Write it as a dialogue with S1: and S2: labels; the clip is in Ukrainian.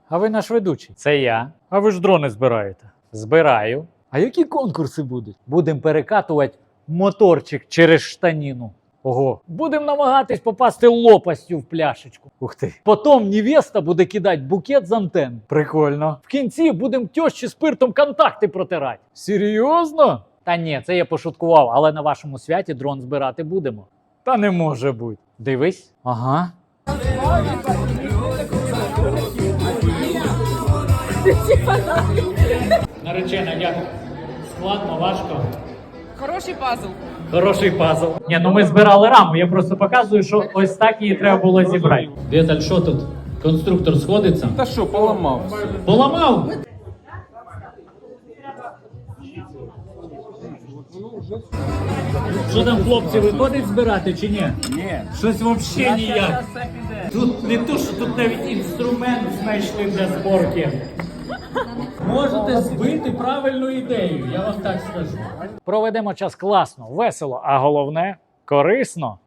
S1: А ви наш ведучий? Це я. А ви ж дрони збираєте? Збираю. А які конкурси будуть? Будемо перекатувати моторчик через штаніну. Ого, будемо намагатись попасти лопастю в пляшечку. Ух ти. Потім невеста буде кидати букет з антенн. Прикольно. В кінці будемо тьощі спиртом контакти протирати. Серйозно? Та ні, це я пошуткував, але на вашому святі дрон збирати будемо. Та не може бути. Дивись. Ага. Наречена, як? Складно, важко.
S2: Хороший пазл.
S1: Хороший пазл. Ні, ну ми збирали раму, я просто показую, що ось так її треба було зібрати. Віталь, що тут? Конструктор сходиться?
S3: Та що, поламався?
S1: Поламав? Що там, хлопці, виходить збирати чи ні?
S3: Ні.
S1: Щось взагалі ніяк. Тут не то, що тут навіть інструмент знайшли для зборки. Можете збити правильну ідею, я вам так скажу. Проведемо час класно, весело, а головне корисно.